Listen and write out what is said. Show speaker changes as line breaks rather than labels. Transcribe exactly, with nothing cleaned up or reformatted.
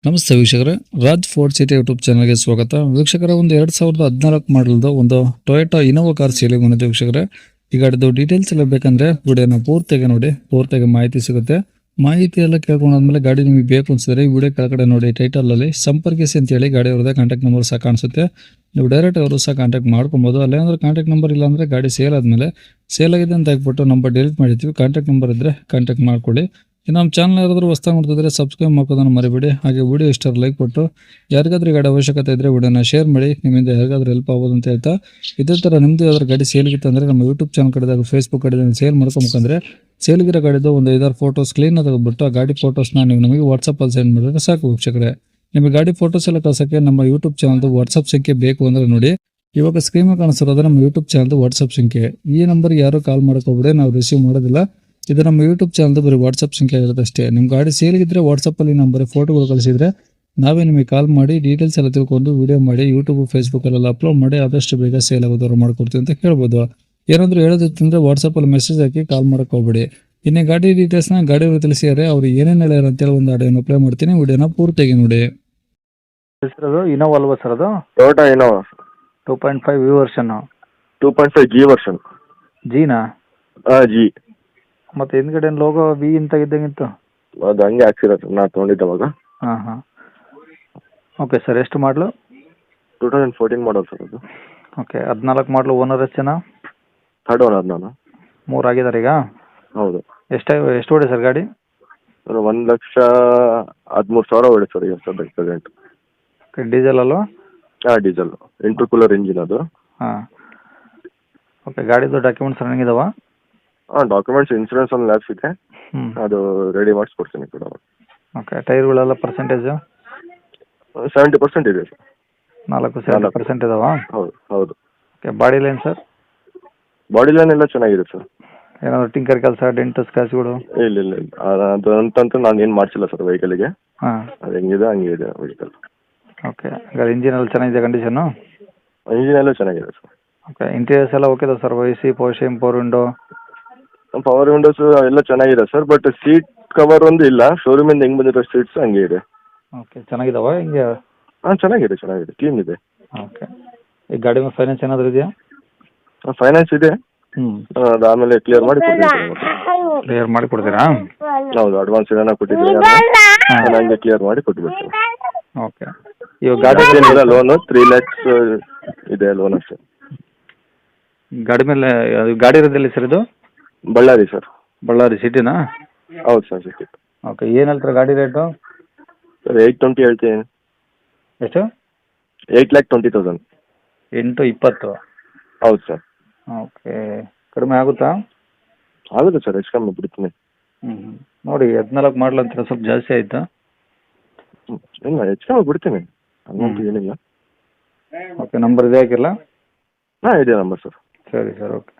ನಮಸ್ತೆ ವೀಕ್ಷಕರೇ, Raj fort city YouTube ಚಾನಲ್ಗೆ ಸ್ವಾಗತ. ವೀಕ್ಷಕರೇ, ಒಂದು ಎರಡು ಸಾವಿರದ ಹದಿನಾಲ್ಕು ಮಾಡಲ್ದು ಒಂದು ಟೊಯೋಟಾ ಇನೋವಾ ಕಾರ್ ಸೇಲಿಗೆ ಬಂದಿದೆ ವೀಕ್ಷಕರೇ. ಈ ಗಾಡಿದು ಡೀಟೇಲ್ಸ್ ಎಲ್ಲ ಬೇಕಂದ್ರೆ ವಿಡಿಯೋನ ಪೂರ್ತಿಯಾಗಿ ನೋಡಿ, ಪೂರ್ತಿಯಾಗಿ ಮಾಹಿತಿ ಸಿಗುತ್ತೆ. ಮಾಹಿತಿ ಎಲ್ಲ ಕೇಳ್ಕೊಂಡಾದ್ಮೇಲೆ ಗಾಡಿ ನಿಮಗೆ ಬೇಕು ಅನ್ಸಿದ್ರೆ ಈ ವಿಡಿಯೋ ಕೆಳಗಡೆ ನೋಡಿ ಟೈಟಲ್ ಅಲ್ಲಿ ಸಂಪರ್ಕಿಸಿ ಅಂತ ಹೇಳಿ ಗಾಡಿ ಅವ್ರದ್ದೇ ಕಾಂಟ್ಯಾಕ್ಟ್ ನಂಬರ್ ಸಹ ಕಾಣಿಸುತ್ತೆ. ನೀವು ಡೈರೆಕ್ಟ್ ಅವರು ಸಹ ಕಾಂಟ್ಯಾಕ್ಟ್ ಮಾಡ್ಕೊಬೋದು. ಅಲ್ಲೇನಾದ್ರೂ ಕಾಂಟ್ಯಾಕ್ಟ್ ನಂಬರ್ ಇಲ್ಲ ಅಂದ್ರೆ ಗಾಡಿ ಸೇಲ್ ಆದ್ಮೇಲೆ ಸೇಲ್ ಆಗಿದೆ ಅಂತ ಹಾಕ್ಬಿಟ್ಟು ನಂಬರ್ ಡಿಲೀಟ್ ಮಾಡಿರ್ತೀವಿ. ಕಾಂಟ್ಯಾಕ್ಟ್ ನಂಬರ್ ಇದ್ರೆ ಕಾಂಟ್ಯಾಕ್ಟ್ ಮಾಡ್ಕೊಳ್ಳಿ. ನಮ್ಮ ಚಾನಲ್ ಯಾರಾದರೂ ಹೊಸದಾಗಿ ನೋಡ್ತಿದ್ರೆ ಸಬ್ಸ್ಕ್ರೈಬ್ ಮಾಡ್ಕೋದನ್ನು ಮರಿಬೇಡಿ. ಹಾಗೆ ವಿಡಿಯೋ ಇಷ್ಟ ಲೈಕ್ ಕೊಟ್ಟು ಯಾರಿಗಾದ್ರೂ ಗಾಡಿ ಅವಶ್ಯಕತೆ ಇದ್ದರೆ ವಿಡಿಯೋನ ಶೇರ್ ಮಾಡಿ. ನಿಮ್ಮಿಂದ ಯಾರಿಗಾದ್ರೂ ಹೆಲ್ಪ್ ಆಗೋದು ಅಂತ ಹೇಳ್ತಾ, ಇದೇ ಥರ ನಿಮ್ಮದು ಯಾವ್ದಾದ್ರು ಗಾಡಿ ಸೇಲ್ಗಿತ್ತು ಅಂದರೆ ನಮ್ಮ ಯೂಟ್ಯೂಬ್ ಚಾನಲ್ ಕಡೆದಾಗ ಫೇಸ್ಬುಕ್ ಕಡೆ ಸೇಲ್ ಮಾಡ್ಕೊಬೇಕಂದ್ರೆ ಸೇಲ್ಗಿರೋ ಗಾಡಿದು ಒಂದು ಐದಾರು ಫೋಟೋಸ್ ಕ್ಲೀನ್ ತೆಗೆದುಬಿಟ್ಟು ಆ ಗಾಡಿ ಫೋಟೋಸ್ನ ನೀವು ನಮಗೆ ವಾಟ್ಸಪ್ಪಲ್ಲಿ ಸೆಂಡ್ ಮಾಡಿದ್ರೆ ಸಾಕು ವೀಕ್ಷಕರೇ. ನಿಮಗೆ ಗಾಡಿ ಫೋಟೋಸ್ ಎಲ್ಲ ಕಳ್ಸೋಕ್ಕೆ ನಮ್ಮ ಯೂಟ್ಯೂಬ್ ಚಾನಲ್ದು ವಾಟ್ಸಪ್ ಸಂಖ್ಯೆ ಬೇಕು ಅಂದರೆ ನೋಡಿ, ಇವಾಗ ಸ್ಕ್ರೀನ್ ಮೇಲೆ ಕಾಣಿಸ್ತಿರೋದು ನಮ್ಮ ಯೂಟ್ಯೂಬ್ ಚಾನಲ್ದು ವಾಟ್ಸಪ್ ಸಂಖ್ಯೆ. ಈ ನಂಬರ್ಗೆ ಯಾರು ಕಾಲ್ ಮಾಡೋಕ್ಕೋಗ್ಬಿಡಿ, ನಾವು ರಿಸೀವ್ ಮಾಡೋದಿಲ್ಲ. ಇದು ನಮ್ಮ ಯೂಟ್ಯೂಬ್ ಚಾನಲ್ದು ಬರೀ ವಾಟ್ಸಪ್ ಸಂಖ್ಯೆ ಇರುತ್ತೆ ಅಷ್ಟೇ. ನಿಮ್ಮ ಗಾಡಿ ಸೇಲ್ಗಿದ್ರೆ ವಾಟ್ಸಪ್ಪಲ್ಲಿ ನಂಬರ್ ಫೋಟೋಗಳು ಕಳಿಸಿದ್ರೆ ನಾವೇ ನಿಮಗೆ ಕಾಲ್ ಮಾಡಿ ಡೀಟೇಲ್ಸ್ ಎಲ್ಲ ತಿಳ್ಕೊಂಡು ವಿಡಿಯೋ ಮಾಡಿ ಯೂಟ್ಯೂಬ್ ಫೇಸ್ಬುಕ್ಕಲ್ಲೆಲ್ಲ ಅಪ್ಲೋಡ್ ಮಾಡಿ ಆದಷ್ಟು ಬೇಗ ಸೇಲ್ ಆಗೋದವ್ರು ಮಾಡ್ಕೊಡ್ತೀವಿ ಅಂತ ಹೇಳ್ಬೋದು. ಏನಾದರೂ ಹೇಳೋದಿತ್ತಂದರೆ ವಾಟ್ಸಪ್ಪಲ್ಲಿ ಮೆಸೇಜ್ ಹಾಕಿ ಕಾಲ್ ಮಾಡೋಕೆ ಹೋಗ್ಬೇಡಿ. ಇನ್ನೇ ಗಾಡಿ ಡೀಟೇಲ್ಸ್ನ ಗಾಡಿಯವರು ತಿಳಿಸಿದರೆ ಅವ್ರು ಏನೇನು ಹೇಳ್ಯಾರ ಅಂತೇಳಿ ಒಂದು ಆಡಿಯೋನ ಪ್ಲೇ ಮಾಡ್ತೀನಿ, ವಿಡಿಯೋನ ಪೂರ್ತಿಯಾಗಿ ನೋಡಿ.
ಇನೋವಾ ಅಲ್ವಾ ಸರ್ ಅದು?
Toyota Innova
two point five V ವರ್ಷನ್ನು
two point five G version.
ಜಿನಾ?
ಹಾಂ ಜಿ.
ಮತ್ತು ಹಿಂದ್ಗಡೆ ಲೋಗೋ ವಿ ಅಂತ ಇದ್ದಂಗಿತ್ತು.
ಅದು ಹಂಗೆ ಹಾಕ್ಸಿರೋದು ನಾ ತೊಗೊಂಡಿದ್ದವಾಗ.
ಹಾಂ ಹಾಂ ಓಕೆ ಸರ್. ಎಷ್ಟು ಮಾಡಲು?
Two thousand fourteen model sir ಅದು.
ಓಕೆ. ಹದಿನಾಲ್ಕು ಮಾಡಲು. ಓನರ್ ಎಷ್ಟು ಜನ?
ಥರ್ಡ್ ಓನರ್ ನಾನು.
ಮೂರು ಆಗಿದ್ದಾರೆ ಈಗ?
ಹೌದು.
ಎಷ್ಟು ಎಷ್ಟು ಓಡಿ ಸರ್ ಗಾಡಿ?
ಸರ್ ಒಂದು ಲಕ್ಷ ಹದಿಮೂರು ಸಾವಿರ ಹೊಡೆ ಸರ್ ಈಗ ಸರ್ ಪ್ರೆಸೆಂಟ್.
ಓಕೆ. ಡೀಸೆಲ್ ಅಲ್ವಾ?
ಹಾಂ ಡೀಸೆಲ್, ಇಂಟರ್ ಕೂಲರ್ ಇಂಜಿನ್ ಅದು.
ಹಾಂ ಓಕೆ. ಗಾಡಿದು ಡಾಕ್ಯುಮೆಂಟ್ಸ್ ರನ್ನಿಂಗ್ ಇದಾವಾ?
ಹಾಂ ಡಾಕ್ಯುಮೆಂಟ್ಸ್ ಇನ್ಸೂರೆನ್ಸ್ ಒಂದು ಲ್ಯಾಬ್ಸ್ ಇದೆ,
ಹ್ಞೂ.
ಅದು ರೆಡಿ ಮಾಡಿಸ್ಕೊಡ್ತೀನಿ ಕೂಡ.
ಓಕೆ. ಟೈರ್ಗಳೆಲ್ಲ ಪರ್ಸೆಂಟೇಜು?
ಸೆವೆಂಟಿ ಪರ್ಸೆಂಟ್ ಇದೆ ಸರ್.
ನಾಲ್ಕು ಸೆವೆಂಟಿ ಪರ್ಸೆಂಟ್ ಇದಾವಾ?
ಹೌದು ಹೌದು.
Okay. Body line sir?
Body line ಎಲ್ಲ ಚೆನ್ನಾಗಿದೆ ಸರ್.
ಏನಾದರೂ ಟಿಂಕರ್ ಕೆಲಸ, ಡೆಂಟು ಸ್ಕ್ರಾಚ್ಗಳು?
ಇಲ್ಲ ಇಲ್ಲ ಇಲ್ಲ ಅದು ಅಂತಂತೂ ನಾನು ಏನು ಮಾಡಿಸಿಲ್ಲ ಸರ್ ವೆಹಿಕಲ್ಗೆ.
ಹಾಂ.
ಅದು ಹೆಂಗಿದೆ ಹಂಗೆ ಇದೆ ವೆಹಿಕಲ್.
ಓಕೆ. ಹಾಗಾದ್ರೆ ಇಂಜಿನ್ ಎಲ್ಲ ಚೆನ್ನಾಗಿದೆ ಕಂಡೀಷನು?
ಇಂಜಿನ್ ಎಲ್ಲ ಚೆನ್ನಾಗಿದೆ ಸರ್.
ಓಕೆ. ಇಂಟೀರಿಯರ್ಸ್ ಎಲ್ಲ okay sir? A C, power same, power window?
Power windows ಎಲ್ಲ ಚೆನ್ನಾಗಿದೆ ಸರ್, ಬಟ್ ಸೀಟ್ ಕವರ್ ಒಂದು ಇಲ್ಲ. ಶೋರೂಮಿಂದ ಹೆಂಗೆ ಬಂದಿರೋ ಸೀಟ್ಸ್ ಹಂಗೆ ಇದೆ.
ಓಕೆ. ಚೆನ್ನಾಗಿದಾವ ಹಿಂಗೆ?
ಹಾಂ ಚೆನ್ನಾಗಿದೆ ಚೆನ್ನಾಗಿದೆ, ಕ್ಲೀನ್ ಇದೆ.
ಓಕೆ. ಈ ಗಾಡಿ ಮೇಲೆ ಫೈನಾನ್ಸ್ ಏನಾದರೂ ಇದೆಯಾ?
ಫೈನಾನ್ಸ್ ಇದೆ,
ಹ್ಞೂ.
ಅದು ಆಮೇಲೆ ಕ್ಲಿಯರ್ ಮಾಡಿ ಕೊಡ್ತೀನಿ.
ಕ್ಲಿಯರ್ ಮಾಡಿ ಕೊಡ್ತೀರಾ?
ಹೌದು, ಅಡ್ವಾನ್ಸ್ ಏನಾರ ಕೊಟ್ಟಿದ್ದೀನಿ ನಾನು ಹಂಗೆ ಕ್ಲಿಯರ್ ಮಾಡಿ ಕೊಟ್ಬಿಡ್ತೀನಿ.
ಓಕೆ. ಇವಾಗ ಗಾಡಿ
ಏನಿಲ್ಲ, ಲೋನು ತ್ರೀ ಲ್ಯಾಕ್ಸ್ ಇದೆ ಲೋನ್ ಅಷ್ಟೇ.
ಗಾಡಿ ಮೇಲೆ ಅದು ಗಾಡಿ ಇರೋದಿಲ್ಲ ಸರ್ ಇದು?
ಬಳ್ಳಾರಿ ಸರ್.
ಬಳ್ಳಾರಿ ಸಿಟಿನಾ?
ಹೌದು ಸರ್ ಸಿಟಿ.
ಓಕೆ. ಏನು ಹೇಳ್ತಾರೆ ಗಾಡಿ ರೇಟು?
ಸರ್ ಏಯ್ಟ್ ಟ್ವೆಂಟಿ ಹೇಳ್ತೀನಿ.
ಎಷ್ಟು?
Eight lakh twenty thousand.
ಎಂಟು ಇಪ್ಪತ್ತು?
ಹೌದು ಸರ್.
ಓಕೆ. ಕಡಿಮೆ ಆಗುತ್ತಾ?
ಆಗುತ್ತೆ ಸರ್, ಹೆಚ್ಚು ಕಮ್ಮಿ ಬಿಡ್ತೀನಿ.
ಹ್ಞೂ ನೋಡಿ, ಹದಿನಾಲ್ಕು ಮಾಡಲ್ ಅಂತಾರೆ, ಸ್ವಲ್ಪ ಜಾಸ್ತಿ ಆಯಿತಾ?
ಇಲ್ಲ ಹೆಚ್ಚು ಕಮ್ಮಿ ಬಿಡ್ತೀನಿ, ಹಂಗಂತೂ ಏನಿಲ್ಲ.
ಓಕೆ. ನಂಬರ್ ಇದೆ ಹಾಕಿಲ್ಲ?
ಹಾಂ ಇದೆ ನಂಬರ್ ಸರ್.
ಸರಿ ಸರ್. ಓಕೆ.